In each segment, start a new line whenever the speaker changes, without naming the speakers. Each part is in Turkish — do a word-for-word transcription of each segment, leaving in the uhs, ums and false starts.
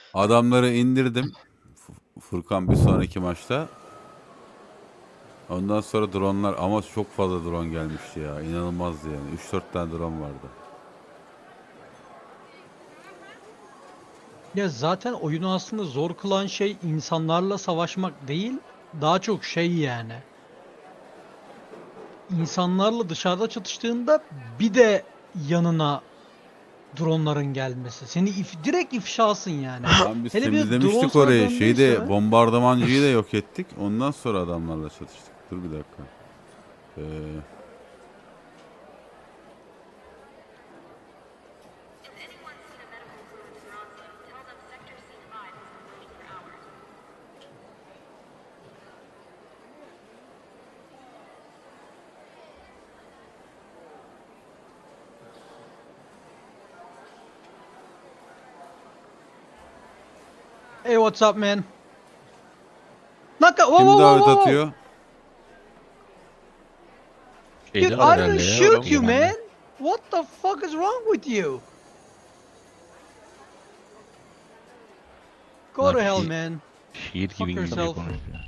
Adamları indirdim. F- Furkan bir sonraki maçta. Ondan sonra dronlar ama çok fazla drone gelmişti ya. İnanılmazdı yani. üç dört tane drone vardı.
Ya zaten oyunu aslında zor kılan şey insanlarla savaşmak değil, daha çok şey yani. İnsanlarla dışarıda çatıştığında bir de yanına dronların gelmesi. Seni if direkt ifşasın yani.
Lan biz
Hele bir de drone
temizlemiştik
sana
orayı.
döndüyse
Şeyde
mi?
bombardamancıyı da yok ettik. Ondan sonra adamlarla çatıştık. Dur bir dakika. Ee,
Hey, what's up man? Naka, whoa,
kim
whoa, whoa,
davet
whoa, whoa.
atıyor?
Dude,
Şeyde
I
var
didn't
herhalde ya.
shoot you
Yemen'de.
man. What the fuck is wrong with you? Go
Bunlar
to hell
şi-
man.
Şiir
Fuck
gibi İngilizce
yourself.
konuşuyor.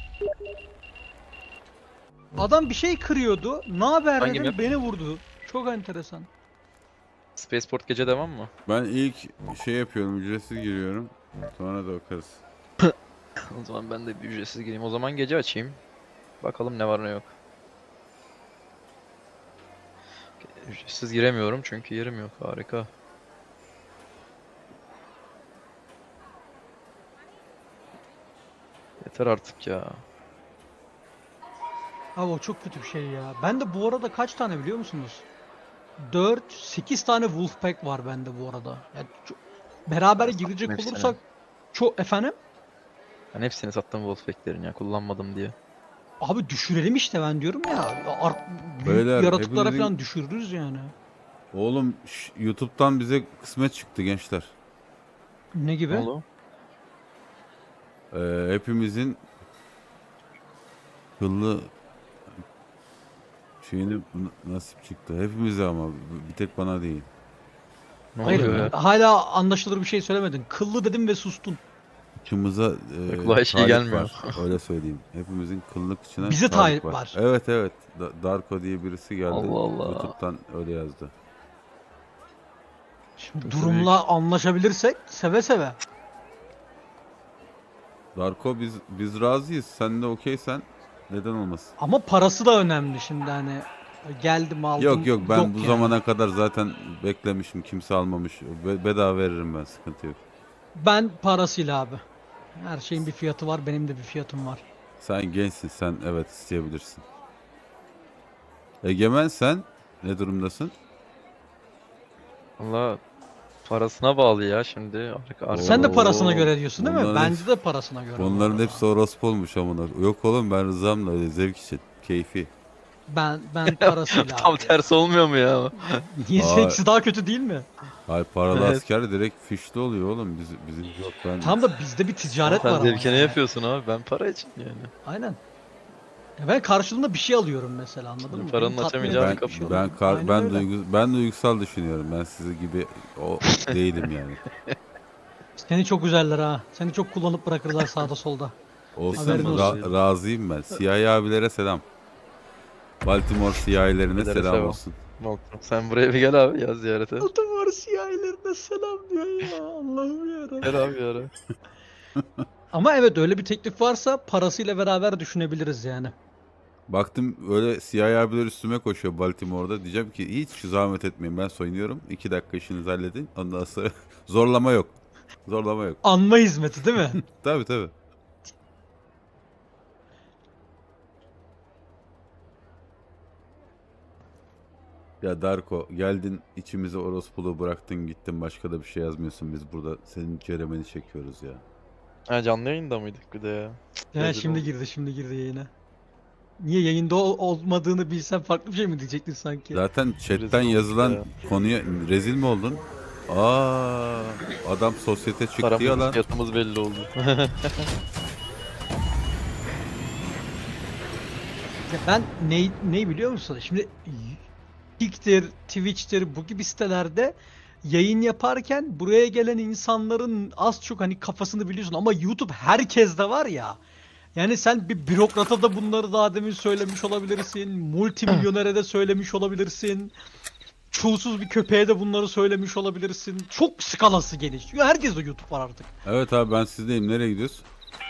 Adam bir şey kırıyordu. Ne haber
Hangi
dedim,
map?
beni vurdu. Çok enteresan.
Spaceport gece devam mı?
Ben ilk şey yapıyorum. Ücretsiz giriyorum. Sonra da bakarız.
O zaman ben de bir ücretsiz gireyim. O zaman gece açayım. Bakalım ne var ne yok. Ücretsiz giremiyorum çünkü yerim yok. Harika. Yeter artık ya.
Abi o çok kötü bir şey ya. Ben de bu arada kaç tane biliyor musunuz? dört sekiz tane Wolfpack var bende bu arada. Yani çok- beraber
Ben sattım
girecek
hepsini.
olursak çok efendim.
Ben hepsini sattım Wolfpack'lerin ya. Kullanmadım diye.
Abi düşürelim işte, ben diyorum ya. Art, büyük
Beyler,
yaratıklara
hepimizin-
falan düşürürüz yani.
Oğlum şş, YouTube'dan bize kısmet çıktı gençler.
Ne gibi?
Ne oldu?
Ee, hepimizin kıllı şeyini n- nasip çıktı. Hepimize ama bir tek bana değil.
Ne
Hayır,
oluyor ya?
hala anlaşılır bir şey söylemedin. Kıllı dedim ve sustun.
Kıçımıza e,
Kulağa şey
talip
gelmiyor.
var. Öyle söyleyeyim. Hepimizin kıllı kıçına
Bize talip var.
Evet evet. Da- Darko diye birisi geldi.
Allah Allah.
YouTube'dan öyle yazdı.
Şimdi durumla anlaşabilirsek seve seve.
Darko biz biz razıyız. Sen de okeysen neden olmasın?
Ama parası da önemli şimdi, hani geldim aldım.
Yok yok ben bu
yani.
zamana kadar zaten beklemişim. Kimse almamış. Be- bedava veririm ben. Sıkıntı yok.
Ben parasıyla abi. Her şeyin bir fiyatı var, benim de bir fiyatım var.
Sen gençsin. Sen evet isteyebilirsin. Egemen sen ne durumdasın?
Valla parasına bağlı ya şimdi. Arka, arka.
Sen de
Oo,
parasına göre diyorsun değil mi?
bunların
Bence
hepsi-
de parasına göre. bu
Bunların
arada.
hepsi orospu olmuş amına. Yok oğlum ben rızamla öyle zevk için. Keyfi.
Ben ben parasıyla
Tam
abi.
tersi olmuyor mu ya?
Niye
Aa.
seksi daha kötü değil mi?
Hayır paralı
Evet.
asker direkt fişli oluyor oğlum. Biz, bizim yok ben.
Tam da bizde bir ticaret
Sen
var ama.
zevkine
yani.
yapıyorsun abi. Ben para için yani.
Aynen. Ya ben karşılığında bir şey alıyorum mesela, anladın mı?
Paranın
Beni tatmin
açamayacağı
eden
bir
Ben
bir şey
kapı.
ben
alıyorum.
kar,
Aynen
ben
öyle.
duygu, ben duygusal düşünüyorum. Ben sizi gibi o değilim yani.
Seni çok üzerler ha. Seni çok kullanıp bırakırlar sağda solda.
Olsun
Haberin
ra-
olsun.
razıyım ben. Siyahi abilere selam. Baltimore siyahilerine
Abilere
selam
selam.
olsun.
Sen buraya bir gel abi ya ziyarete.
Baltimore siyahilerine selam diyor ya. Allah'ım yarabbim.
Gel abi ya.
Ama evet, öyle bir teklif varsa parasıyla beraber düşünebiliriz yani.
Baktım öyle siyahi abiler üstüme koşuyor Baltimore'da. Diyeceğim ki hiç zahmet etmeyin ben soyunuyorum. İki dakika işinizi halledin. Ondan sonra zorlama yok. Zorlama yok.
Anma hizmeti değil mi?
Tabii tabii. Ya Darko geldin içimize orospuluğu bıraktın gittin başka da bir şey yazmıyorsun. Biz burada senin ceremeni çekiyoruz ya.
Ha canlı yayında mıydık bir de ya?
Ya
Rezil
şimdi
oldum.
girdi şimdi girdi yayına. Niye yayında ol- olmadığını bilsen farklı bir şey mi diyecektin sanki?
Zaten chatten
olduk
yazılan
ya.
konuya rezil mi oldun? Aa, adam sosyete çıktı ya
Paramız,
lan.
fiyatımız belli oldu.
Ya ben ne ne biliyor musun? Şimdi Kick'tir, Twitch'tir, bu gibi sitelerde yayın yaparken buraya gelen insanların az çok hani kafasını biliyorsun ama YouTube herkeste var ya. Yani sen bir bürokrata da bunları daha demin söylemiş olabilirsin. Multimilyonere de söylemiş olabilirsin. Çulsuz bir köpeğe de bunları söylemiş olabilirsin. Çok skalası geniş. Çünkü herkeste YouTube var artık.
Evet abi ben sizdeyim. Nereye gidiyoruz?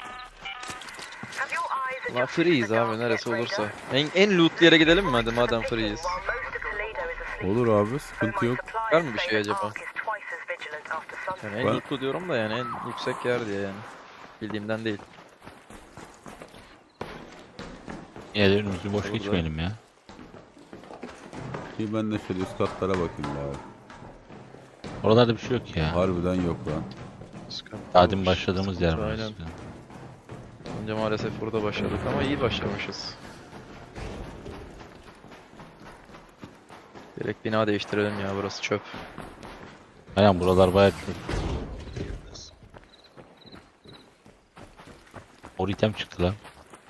Ulan freeyiz abi neresi olursa. En, en lootlu yere gidelim mi hadi madem freeyiz.
Olur abi sıkıntı yok.
Var mı bir şey acaba? Yani en
Ben-
lootlu diyorum da yani en yüksek yer diye yani. Bildiğimden değil.
Ya önümüzü boş
Burada.
geçmeyelim ya.
İyi ben de şöyle üst katlara bakayım abi.
Oralarda bir şey yok ya.
Harbiden yok lan.
Sıkıntı
Daha demin
olur,
başladığımız yer
sıkıntı,
burası.
aynen. Önce maalesef burada başladık ama iyi başlamışız. Direkt bina değiştirelim ya burası çöp.
Aynen buralar bayağı çok. Mor item çıktı lan.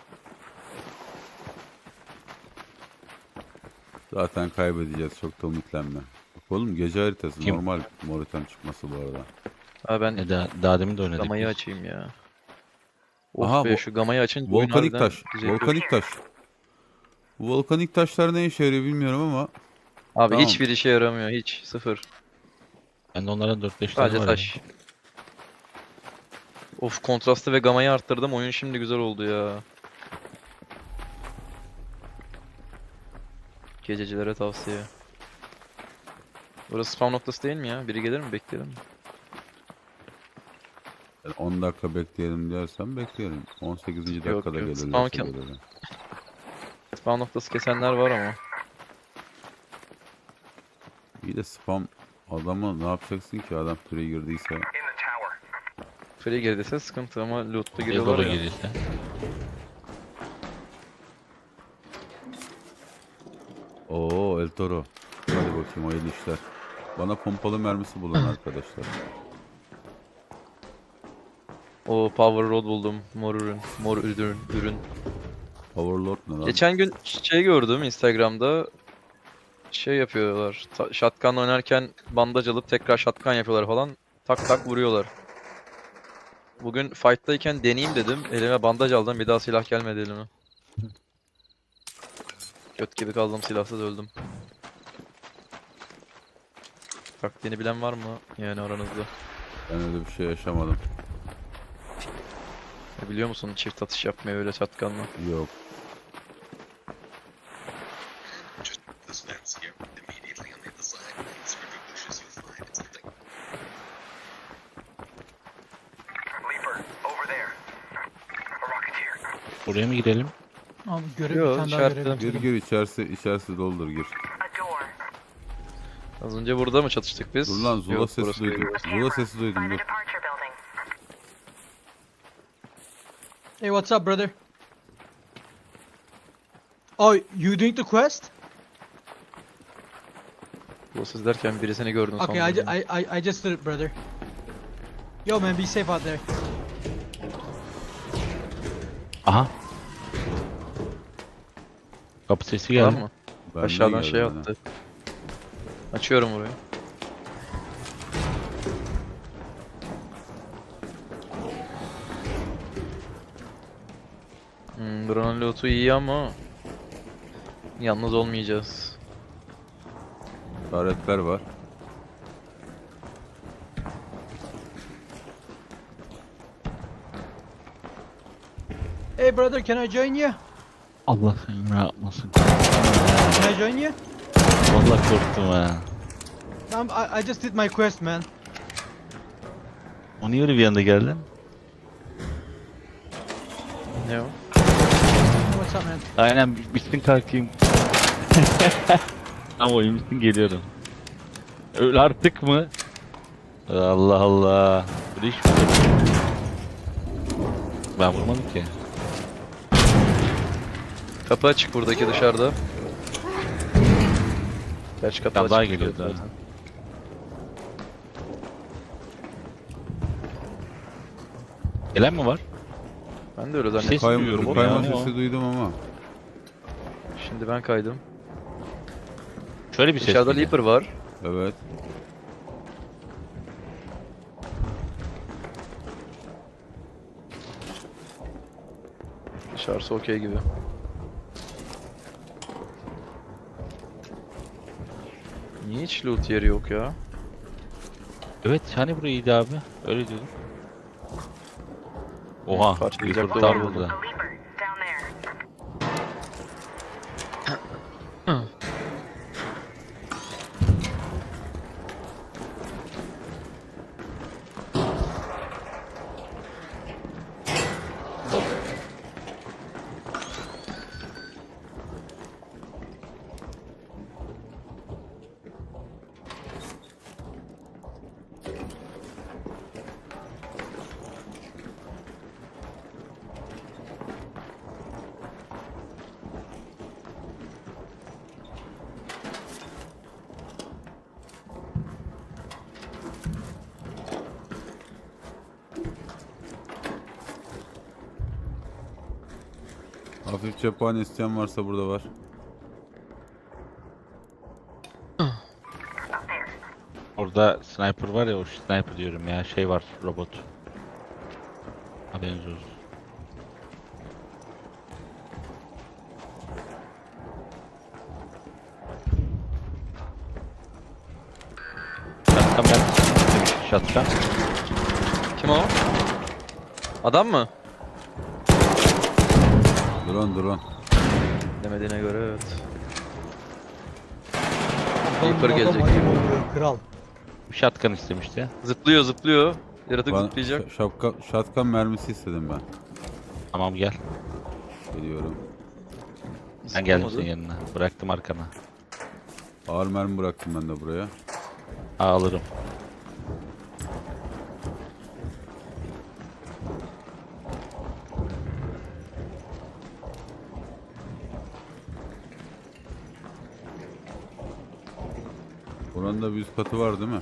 Zaten kaybedeceğiz. Çok da ümitlenme. Bak oğlum gece haritası
Kim?
normal moritem çıkması bu arada.
Abi ben
Ne daha, daha demin de oynadık.
gamayı
biz.
açayım ya. Of
Aha,
be
vo-
şu gamayı açınca oyun
Volkanik
harbiden
taş.
düzeliyor.
Volkanik taş. Bu volkanik taşlar ne işe yarıyor bilmiyorum ama
Abi
Tamam.
hiçbir işe yaramıyor hiç sıfır.
Ben de onlardan dört beş tane
Sadece
var.
taş. Of kontrastı ve gamayı arttırdım oyun şimdi güzel oldu ya. Gececilere tavsiye. Burası spawn noktası değil mi ya? Biri gelir mi? Bekleyelim mi?
yani on dakika bekleyelim diyorsan bekleyelim. on sekizinci
Yok,
dakikada
yok.
gelirlerse
Spawn kim-
gelelim.
Spawn noktası kesenler var ama.
İyi de spam adamı ne yapacaksın ki adam türe girdiyse.
Free girdiyse sıkıntı ama loot'ta
Bir
giriyorlar
dolu
ya.
gelirse.
Oo El Toro. Hadi bakayım hayırlı işler. Bana pompalı mermisi bulun arkadaşlar.
O Power Rod buldum. Mor ürün. Mor ürün. ürün.
Powerlord ne lan?
Geçen gün şey gördüm Instagram'da. Şey yapıyorlar. ta- Shotgun oynarken bandaj alıp tekrar shotgun yapıyorlar falan. Tak tak vuruyorlar. Bugün fight'tayken deneyeyim dedim. Elime bandaj aldım. Bir daha silah gelmedi elime. Göt gibi kaldım silahsız öldüm. Taktiğini bilen var mı yani aranızda?
Ben öyle bir şey yaşamadım.
Ya biliyor musun çift atış yapmayı öyle shotgunla?
Yok.
This fence here, immediately on the other side. It's river bushes you'll find. It's thick.
Leaper, over there. A rocketeer.
Buraya mı girelim?
Abi görev
Yo,
bir tane daha
işaretle.
görev
Gir
bitirdim.
gir içerisi içerisi doldur gir.
A door.
Az önce burada mı çatıştık biz?
Dur lan Zula
Yok,
sesi
burası
duydum.
değil.
Zula sesi duydum
Find the
dur.
departure building.
Hey, what's up, brother? Oh, you doing the quest?
Bu siz derken birisini gördün
Okay, I,
sandım.
ju- I, I, I just did it, brother. Yo, man, be safe out there.
Aha. Kapı sesi
Var
geldi.
mı?
Benden
Aşağıdan
geldi
şey
bana.
attı. Açıyorum burayı. Hmm, buranın lootu iyi ama yalnız olmayacağız.
İşaretler var.
Hey, brother, can I join you?
Allah seni ne yapmasın.
Can I join you?
Vallahi korktum ha.
Um, I, I just did my quest, man.
O niye öyle bir anda geldin?
Ne o?
What's up, man?
Aynen bitsin kalkayım. Ama oyun bitsin geliyorum. Öl artık mı? Allah Allah. Bu iş mi? Ben vurmadım ki.
Kapı açık buradaki dışarıda. Gerçi kapı
Tam daha
açık
geliyor
zaten.
zaten. Gelen mi var?
Ben de öyle
Ses
zannettim.
Kayma,
duyuyorum
kayma
yani
sesi
o.
duydum ama.
Şimdi ben kaydım.
Şöyle bir ses
Dışarıda
geliyor.
Leaper var.
Evet.
Dışarısı okey gibi. Niye hiç loot yeri yok ya?
Evet hani burayı iyiydi abi. Öyle diyordum. Oha.
Parçalayacak
Reaper
dolar
tam
buldum.
burada.
A leaper, down there.
Hafif cephane isteyen varsa burada var.
Up there.
Orada sniper var ya, o sniper diyorum ya, şey var, robot. Haberiniz olsun. Şatkan ben. Şatkan.
Kim o? Adam mı?
Drone drone.
Demediğine göre evet.
Oğlum,
Reaper
adam
gelecek
ayıp
gibi.
oluyor, kral.
Şatkan istemişti.
Zıplıyor zıplıyor. Yaratık
Bana
zıplayacak.
ş- şapka, shotgun mermisi istedim ben.
Tamam gel.
Geliyorum.
Ben geldim
Zıplamadı.
senin yanına. Bıraktım arkana.
Ağır mermi bıraktım ben de buraya.
Ha, alırım.
Buranın da bir üst katı var değil mi?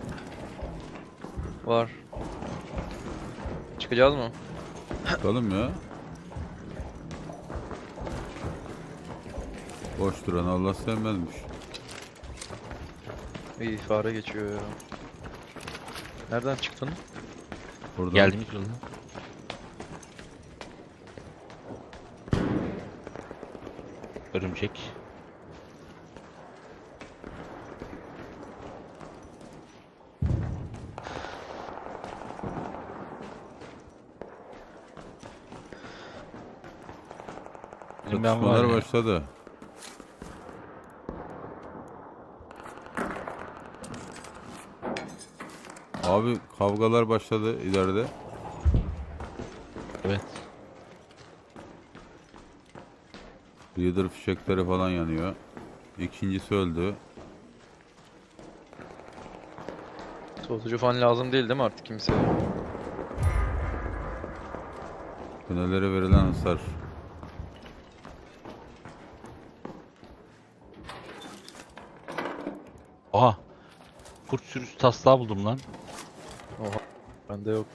Var. Çıkacağız mı?
Bakalım ya. Boş duran Allah sevmezmiş.
İyi fare geçiyor ya. Nereden çıktın?
Buradan
Geldiğimiz yolda. Örümcek. Benim ben var
çatışmalar
ya.
başladı. Abi kavgalar başladı ileride.
Evet.
Leader fişekleri falan yanıyor. İkincisi öldü.
Soğutucu falan lazım değil değil mi artık kimseye?
Tünellere verilen hasar.
Oha. Kurt sürüsü taslağı buldum lan.
Oha. Bende yok.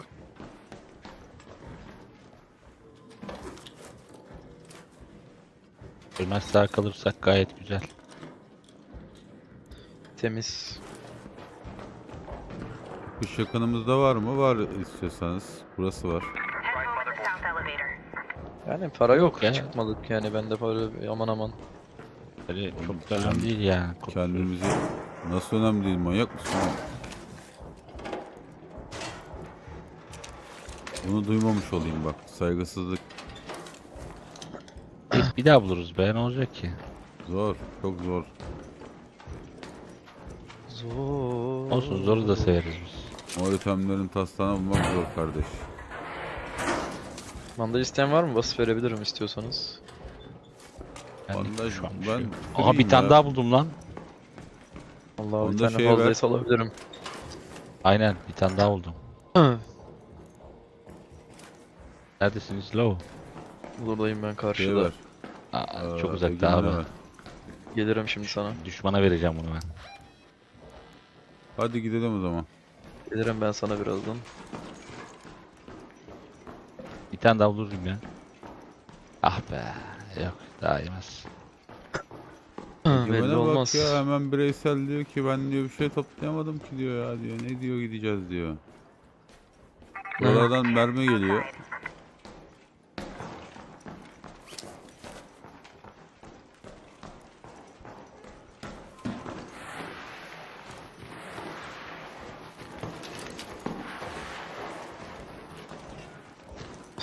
Ölmez sağ kalırsak gayet güzel.
Temiz.
Kuş yakınımızda var mı? Var istiyorsanız. Burası var.
Head home at the south elevator.
Yani para yok.
ya.
Çıkmadık yani bende para aman aman.
Böyle çok da önemli değil yani. Kurt sürüsü.
Kendimizi... Nasıl önemli değil, manyak mısın oğlum? Bunu duymamış olayım bak. Saygısızlık
Bir daha buluruz be, ne olacak ki?
zor. Çok zor.
Zor.
Olsun, zoru da severiz biz.
O itemlerin taslağını bulmak zor kardeş.
Bandaj isteyen var mı? Basıp verebilirim istiyorsanız.
Ben,
Bandaj-
şu an bir
ben
şey yok.
kırayım
Aha bir tane
ya.
daha buldum lan.
Allah bir
Onda
tane
şeye ver.
fazlaysa alabilirim.
Aynen, bir tane daha buldum. Neredesiniz Low?
Buradayım ben
Şey
karşıda.
ver.
Aa,
Ee,
çok uzakta abi.
Egemen'e ver.
Gelirim şimdi sana.
Düşmana vereceğim bunu ben.
Hadi gidelim o zaman.
Gelirim ben sana birazdan.
Bir tane daha bulurum ya. Ah be. Yok, daha yemez.
Belli
Egemen'e
olmaz.
bak ya, hemen bireysel diyor ki ben diyor bir şey toplayamadım ki diyor ya diyor. Ne diyor gideceğiz diyor. Buralardan mermi geliyor.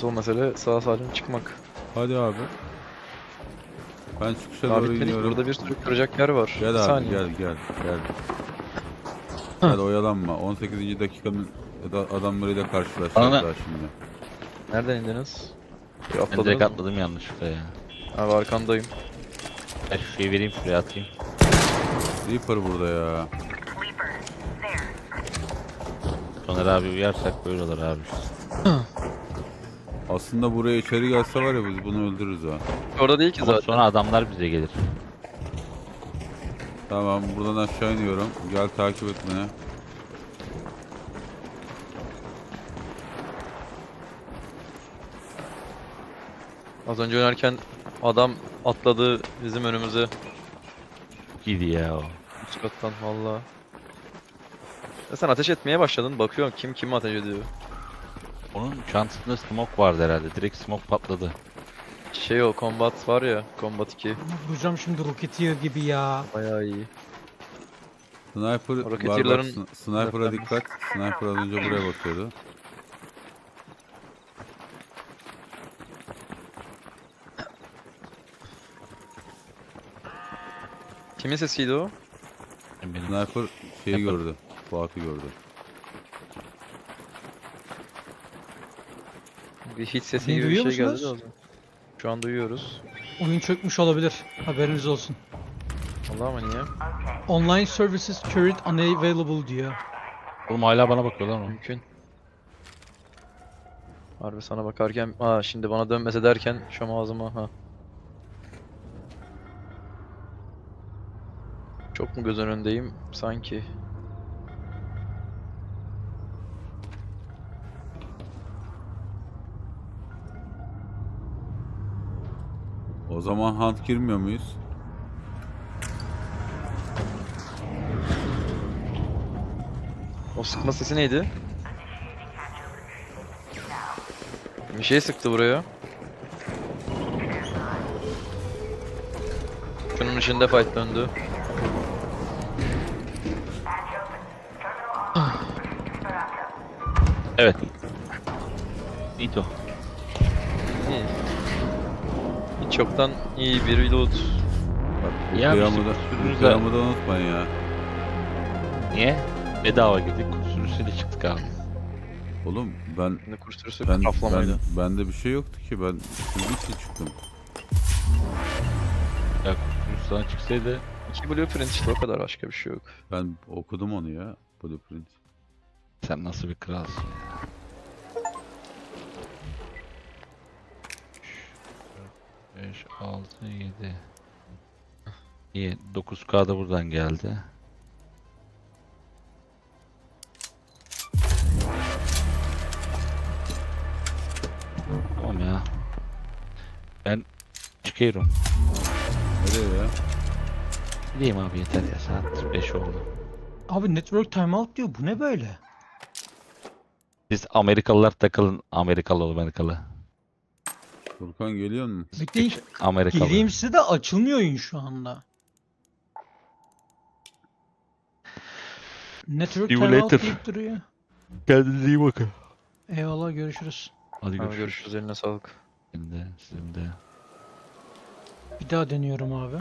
Asıl mesele sağ salim çıkmak.
Hadi abi. Ben çıkışa
Daha
doğru
bitmedik.
iniyorum.
Burada bir sürü kıracak yer var.
Gel
Bir
abi
saniye.
gel gel gel. Gel oyalanma. on sekizinci dakikanın da- adamlarıyla karşılaşacağız
Ana.
daha şimdi.
Nereden indiniz? Bir
Ben
atladınız
direkt
mı?
atladım yanlışlıkla ya.
Abi arkandayım.
Ben şu şeyi vereyim şuraya atayım.
Reaper burada ya.
Sleeper. There.
Soner abi uyarsak böyle olur abi.
Aslında buraya içeri gelse var ya biz bunu öldürürüz ha.
Orada değil ki
Ama
zaten.
sonra adamlar bize gelir.
Tamam buradan aşağı iniyorum. Gel takip et beni.
Az önce oynarken adam atladı bizim önümüze.
İyiydi ya o.
Üst kattan valla. Ya sen ateş etmeye başladın. Bakıyorum kim kimi ateş ediyor.
Onun çantasında smoke vardı herhalde. Direkt smoke patladı.
Şey o combat var ya. Combat iki.
Vuracağım şimdi Rocketeer gibi ya.
Bayağı iyi.
Sniper var bak.
Roketier'ların-
Sn- Sniper'a dikkat. Sniper az önce buraya bakıyordu.
Kimin sesiydi o?
Benim.
Sniper şeyi
Sniper.
gördü. Fuat'ı gördü.
Bir hit sesi
Beni
gibi bir
duyuyor
şey geldi de o
musunuz?
zaman. Şu an duyuyoruz.
Oyun çökmüş olabilir. Haberiniz olsun.
Allah ama niye?
Online services current unavailable diyor.
Oğlum hala bana bakıyorlar mı?
Mümkün. Harbi sana bakarken, aa şimdi bana dönmese derken şu an ağzıma ha. Çok mu göz önündeyim sanki?
O zaman hunt girmiyor muyuz?
O sıkma sesi neydi? Bir şey sıktı buraya. Şunun içinde fight döndü.
Evet. Nito.
İyi. Hiç yoktan iyi bir reload.
Bak bu
Ya
kıyamı
bizim
da,
kusurumuz
bu
da-
kıyamı da unutmayın ya.
Niye? Bedava girdik. Kusursuyla çıktık abi.
Oğlum ben
Ne kurs sürüsü
ben,
kaflamaydı.
ben bende bir şey yoktu ki ben şimdi için çıktım.
Ya kusursuz sana çıksaydı
İki blueprint işte o kadar, başka bir şey yok.
Ben okudum onu ya. Blueprint.
sen nasıl bir kralsın ya. beş, altı, yedi. İyi. dokuz K da buradan geldi. Tamam ya. Ben çıkıyorum.
Nereye ya?
Gideyim abi yeter ya, saat beş oldu.
Abi network timeout diyor. Bu ne böyle?
Siz Amerikalılar takılın, Amerikalı ol Amerikalı.
Furkan geliyor mu?
Bekleyin.
Amerikalı.
Geleyim size de açılmıyor oyun şu anda. Network
See you
timeout
later.
deyip duruyor.
Kendinize iyi bakın.
Eyvallah, görüşürüz.
Hadi
Tamam,
görüşürüz.
görüşürüz, eline sağlık.
Sizin de, sizin de.
Bir daha deniyorum abi.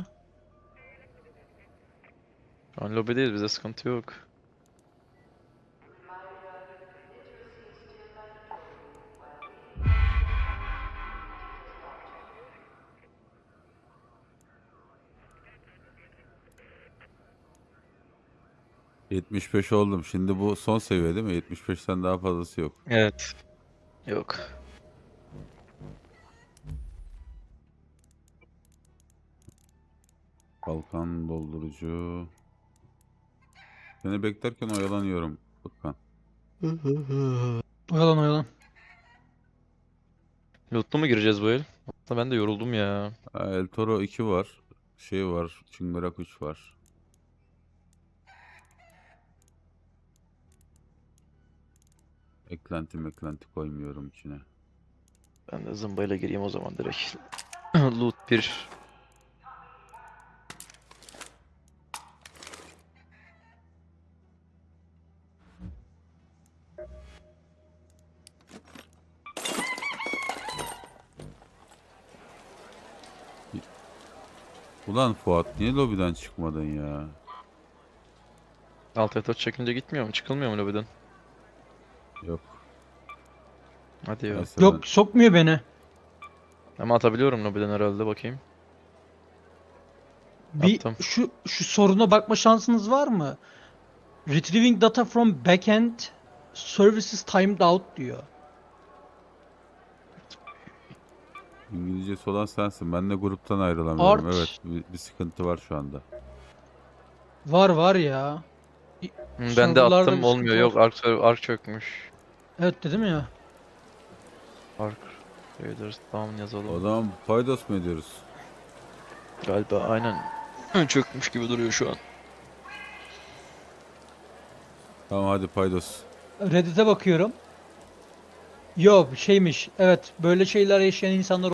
Şu an lobideyiz, bize sıkıntı yok.
yetmiş beş oldum. Şimdi bu son seviye değil mi? yetmiş beşten daha fazlası yok.
Evet. Yok.
Balkan doldurucu. Seni beklerken oyalanıyorum Furkan.
Oyalan oyalan.
Loot'lu mu gireceğiz bu el? Aslında ben de yoruldum ya.
Ha, El Toro iki var. Şey var. Çıngırak üç var. Eklenti meklenti koymuyorum içine.
Ben de zımbayla gireyim o zaman direkt. Loot bir.
Ulan Fuat niye lobiden çıkmadın ya?
Alt F dört çekince gitmiyor mu? Çıkılmıyor mu lobiden?
Yok.
Hadi ya.
Neyse
Yok sokmuyor beni.
Ama atabiliyorum lobiden herhalde, bakayım.
Bir
Attım.
şu şu soruna bakma şansınız var mı? Retrieving data from backend services timed out diyor.
ben İngilizcesi olan sensin. Ben de gruptan ayrılamıyorum.
Art.
Evet bir, bir sıkıntı var şu anda.
Var var ya.
Hı, ben de
Serverlarda
attım,
bir
olmuyor.
sıkıntı
Yok,
var.
Ark, server- Ark çökmüş.
Evet dedim ya.
Ark Raiders down yazalım.
O zaman paydos mu ediyoruz?
Galiba aynen çökmüş gibi duruyor şu an.
Tamam hadi paydos.
Reddit'e bakıyorum. Yok şeymiş. Evet böyle şeyler yaşayan insanlar